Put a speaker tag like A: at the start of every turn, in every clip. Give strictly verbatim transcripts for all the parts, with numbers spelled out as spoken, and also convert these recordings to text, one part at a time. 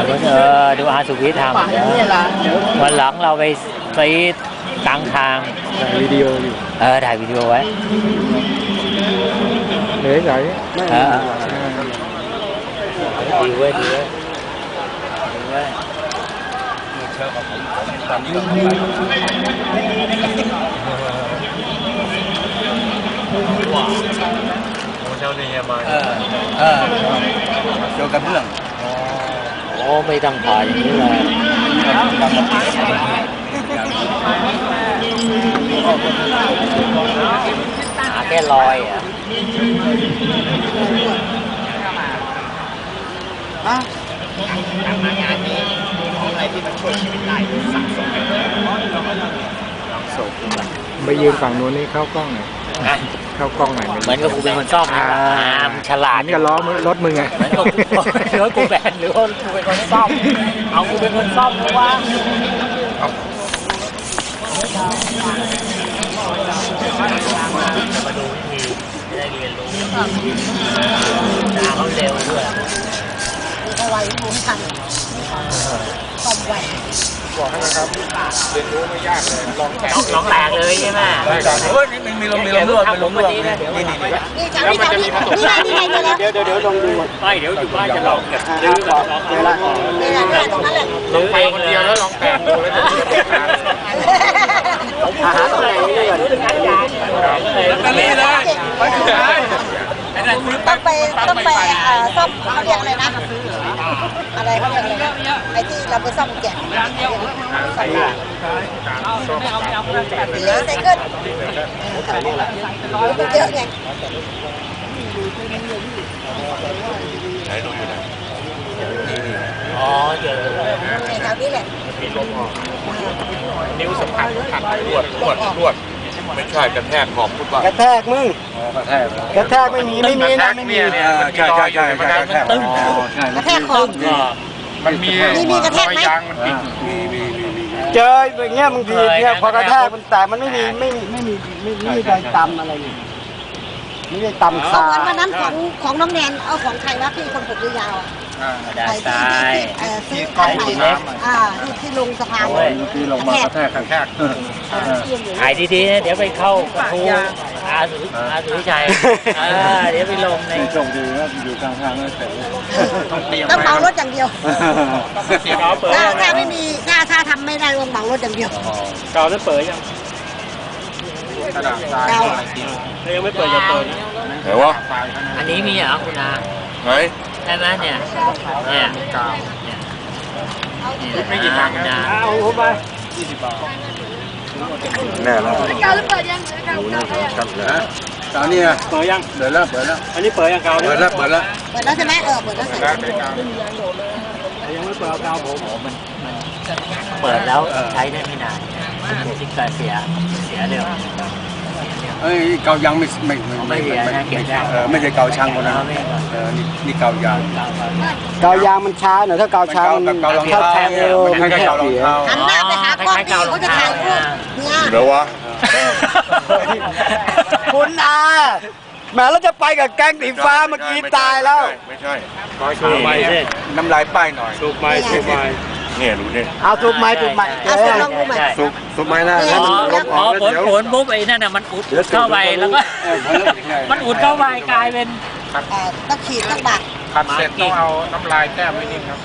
A: เออดูอาสุวิทย์ทำวันหลังเราไปซีกลางทาง
B: ถ่ายวิดีโออยู่
A: เออถ่ายวิดีโอไว้
B: เฮ้ยไหน
A: เออดีเว้ยดีเว้ยดีเว้ยเชื่อกับผมตอนนี้ก็ว้าวโอ้เจ้าเนี่ยมาเออเออเกี่ยวกับเรื่องโอ้ไม่ต้องผ่าอย่างนี้เลยหาแค่รอยอ่ะ
C: ฮะทำงานนี้ของอะไรที่มันช่วยชีวิตได้สะสม
B: ไปยืนฝั่งนู้นนี่เข้ากล้องหน่อยเข้ากล้องหน่อย
A: เหมือนกับกูเป็นคนซ่อมนะฉลาด
B: นี่ก็ล้อรถมึงไง
A: เหมือนกับรถกูแบนหรือว่ากูเป็นคนซ่อมเอากูเป็นคนซ่อมเพราะว่ามาดูวิธีได้เรียนรู้เขาเร็วด้วย
D: เอาไว้รู้ทันซ่อมไว้
B: บอกให้นะครับเรียนรู้ไม่ยากเลยลองแตก
A: ลองแตกเลยใช่ไหม
B: โอ้ยมันมีลมมีลมด้วยเป็นลมด้วยนี่นี่นี่
D: แล้วมันจะมีผสมนี่ไงนี่ไงเดี๋ยว
B: เดี๋ยวเดี๋ยวลองดู
A: ไม่เดี๋ยวอยู่บ้านจะลองแบบซื้อแบบลองเวลา
D: นี่แหละตรงนั้นแหละ
A: ลองไปคนเดียวแล้วลองแตกดูแล้วจะหาตรงไหนนี่ก่อน
C: นั่นนี่เลยไปสุดท้าย
D: ต้องไปต้องไปซ่อมเขาเรียกอะไรนะอะไรเขาเรียกอะไรไอ้ที่เราไปซ่อมแกะซ่อมรีไซเคิลมันเยอะไง
C: ไหนดูอยู่ไหน
A: อ๋อเจอ
D: แถวนี้แหละ
C: นิ้วสัมผัสขัดรวดรวดรวดไม่ใช่กระแทกขอบพุทธว่าก
B: ระแทกมึงกระแทกกระแทกไม่มีไม่มีนะไม่มี
C: ใช่ใช่ใช่ใช่
A: มันตึ้ง
D: กระแทกขอบ
C: มันมี
D: มีกระแทกไหม
C: มีมีมีมี
B: เจออย่างเงี้ยบางทีเนี่ยพอกระแทกมันแต่มันไม่มีไม่ไม่มีไม่ไม่มีใครตำอะไรนี่ไม่ได้ตำขา
D: เหมือนวันนั้นของของน้องแนนเอาของใครวะที่คนผมยาว
A: ได้
D: ใช่ซื้อขายใหม่อ่าที่ที่ลงสะพาน
B: ที่ลงมากระแทกกระแทก
A: ถ่ายดีๆนะเดี๋ยวไปเข้ากระทูอาสุอาสุวิชัยเดี๋ยวไปลงใน
B: จงดีนะอยู่กลางทางนั่นเสร็จ
D: ต้องเตรียมต้องเหมารถอย่างเดียวถ้าถ้าไม่มีถ้าถ้าทำไม่ได้ต้องเหมารถอย่างเดียว
B: เก่าแล้วเปิดยัง
D: เก่า
B: ยังไม่เปิดจะเปิด
C: ไหนวะ
A: อันนี้มีเหรอคุณอา
C: ไหน
A: ใช่ไหมเนี่ยเนี่ย
C: กาวไม่กี่ทางนะ
B: เอาเข้าไปยี่สิบบาท
C: แน่แล้ว
D: กาวเปิดยังกาว
C: กาวนะกาวนี่
B: เปิดยัง
C: เปิดแล้วเปิดแล้ว
B: อันนี้เปิดยังกาว
C: เปิดแล้วเปิดแล้ว
D: เปิดแล้วใช่ไหมเออเปิดแล้วใส่
B: ยังไม่เปิดกาวผม
A: มันมันเปิดแล้วใช้ได้ไม่นานซิกเกอร์เสียเสียเร็ว
C: เอ้ยเกายังไม่ไม่
A: ไม่เสียนะเก็บได้
C: เออไม่ใช่เกาช่างคนนั้นเออนี่นี่เกายาง
B: เกายางมันช้าหน่อยถ้าเกาช้ามัน
C: เการองเท้าไม่ใช่เการองเท้า
D: หันหน้าไปหากล้องดีเขาจะถ่ายรูปเนี่ย
C: เดี๋ยววะ
B: คุณอาแม้เราจะไปกับแก๊งสีฟ้าเมื่อกี้ตายแล้ว
C: ไม่ใช่สูบไม้น้ำลายป้ายหน่อย
B: สูบไม้สูบไม้
C: เนี่ยดูเนี่ย
B: เอาสูบไม้สูบไม้
C: สูบสูบไม้นะแล้วมันลบออก
A: ผลผลปุ๊บไอ้นั่นน่ะมันอุดเข้าไปแล้วก็มันอุดเข้าไปกลายเป็น
D: ต้องขีดต้องบัก
C: ขัดเสร็จต้องเอาน้ำลายแต้มไว้นิดครับ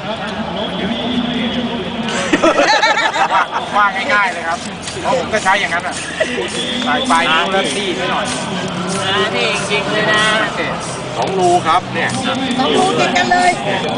C: ว่าง่ายๆเลยครับเพราะผมก็ใช้อย่างนั้นอ่ะปลายปลายนิ้วแล้วตีนิดหน่อย
A: นี่จริงเลยนะ
C: สองรูครับเนี่ย
D: สองรูติดกันเลย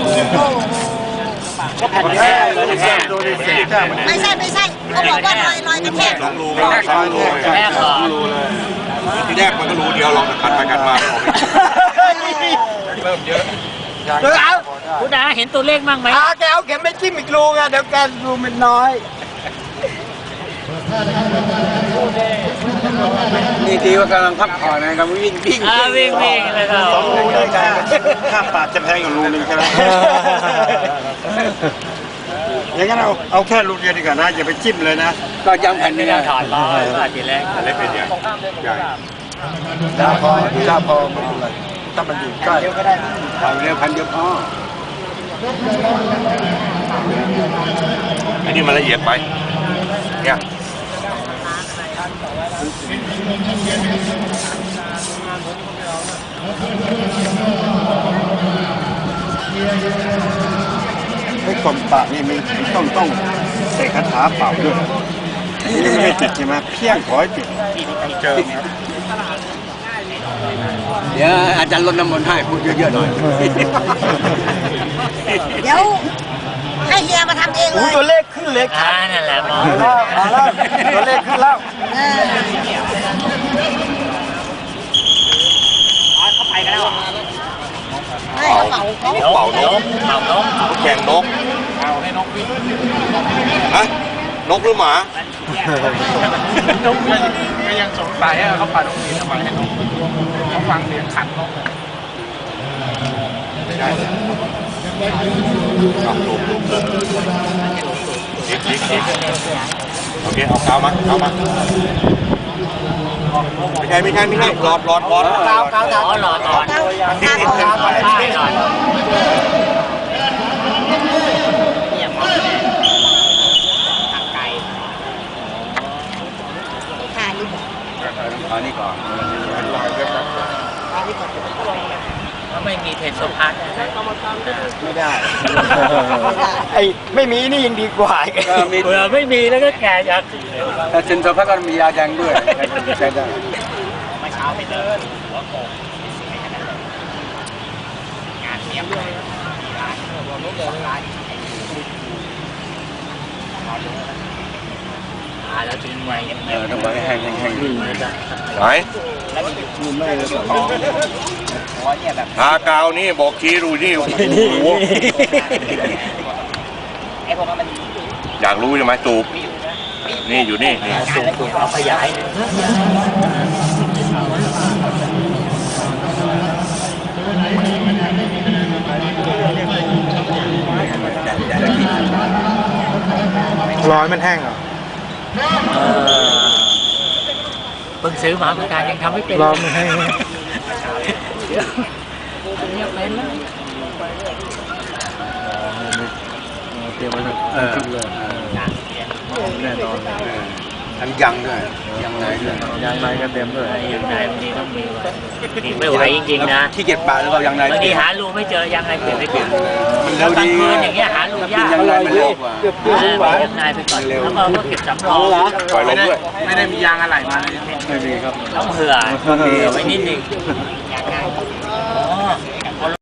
C: ก็แผ่นแท้เลยแท้
D: ไม่ใช่ไม่ใช่เขาบอกว่ารอยรอยกระแทก
C: สองรูแรกสองรูแรกสองรูเลยทีแรกมันก็รูเดียวลองกันไปกันมาเริ่มเยอะ
A: คุณอาเห็นตัวเลขมั่งไหม
B: อาแกเอาเข็มไปจิ้มอีกรูไงเดี๋ยวแกรูมันน้อย
C: นี่ทีว่ากำลังพักผ่อนนะครับวิ่งวิ่ง
A: วิ่งวิ่งเลยครับ
C: สองรูด้วยกันค่าปากจะแพงกว่ารูนึงใช่ไหมอย่างนั้นเอาเอาแค่รูเดียวดีกว่านะอย่าไปจิ้มเลยนะก็ยังแผ่นนี้
A: ถอดล้อถอดทีแรก
C: เล็กเป็นใหญ่ใหญ่ถ้าพอถ้าพอถ้ามันอยู่ใกล้เอาเร็วพันเดียวพอนี่มันละเอียดไปเนี่ย
B: ไอ้กลมปะนี่มันต้องต้องใส่คาถาเป่าด้วยนี่ไม่ติดใช่ไหมเพี้ยงขอให้ติด
C: ต้องเจอ
B: เดี๋ยวอาจารย์ลดน้ำมนต์ให้พูดเยอะๆหน่อย
D: เดี๋ยวให้เฮียมาทำเองเลย
B: ตัวเลขขึ้นเลข
A: อ่านั่นแหละหมอ
B: มาแล้วตัวเลขขึ้นแล้ว
D: เออ ให้เขาเป่าเขา
C: เป่านก
A: เป่านก
C: แข่งนกเอาให้นกวิ่งฮะนกหรือหมา
A: นกวิ่ง
E: ก็ยังสงสัยว่าเขาปัดนกหวีดทำไมให้นกเขาฟังเสียงขันนก
C: ไม่ได้เลยเอาลงลงเลยดิ๊กดิ๊กดิ๊กโอเคเอากาวมาเอามาไม่ใช่ไม่ใช่ไม่ใช่หลอดหลอดหลอด
B: กาวกาว
A: อ๋อหลอดหลอด
D: เก้าเก้า
A: หลอด
D: เก้า
A: ใช่หลอด
D: ทานนี่ก่อน
B: เอานี่ก่อน
A: ถ้าไม่มีเทนโซพาร์ต
B: ไม่ได้ไอ้ไม่มีนี่ยังดีกว่าอีก
A: เผื่อไม่มีแล้วก็แก่อยาก
B: แต่เซนโซพักก็มียาแดงด้วยใช้ได้
A: มาเช้าไปเดินหัวโขกงานเทียบเลยร้านร้านอ่าแล้วทิ้งไว้
B: เออต้องไว้แห้งแห้ง
C: ไหนทากาวนี่บอกทีดูนี่โอ้โห
A: ไอ้พวกนั้นมัน
C: อยากรู้ใช่ไหมตูบนี่อยู่นี่นี่
A: สูงสูงเอาขยาย
E: ร้อยมันแห้งเหรอ
A: เพิ่งซื้อมาเหมือนกันยังทำไม่เป็น
E: ร้อยมันแห้ง
A: เนี่ยเป็นแล้ว
B: เตรียมไว้เออแน่นอนทั้งยังด้วยยังไงด้วยยังไงก็เต็มด้วย
A: ยังไงบางทีต้องมีไว้นี่ไม่ไหวจริงๆนะ
B: ขี้เกียจปะแล้วก็ยังไง
A: บางทีหารูไม่เจอยังไงเปลี่ยนไม่เปลี่ยน
B: มัน
A: แล้
B: เร็
A: ว
B: ว
A: กลาง
B: ดี
A: คืนอย่างเงี้ยหารูยาก
B: ยังไงมันเร็วกว่า
A: ยังไงไปก่อนแล้วก็ก็เก็บสำรอง
C: ปล่อยล
E: ไม่
C: ม
E: ได้
C: ด้วย
E: ไม่ได้มียางอะไรมาเลย
B: ไม่มีครับ
A: ต้องเผื่อเผื่อไว้นิดนึงอ๋อ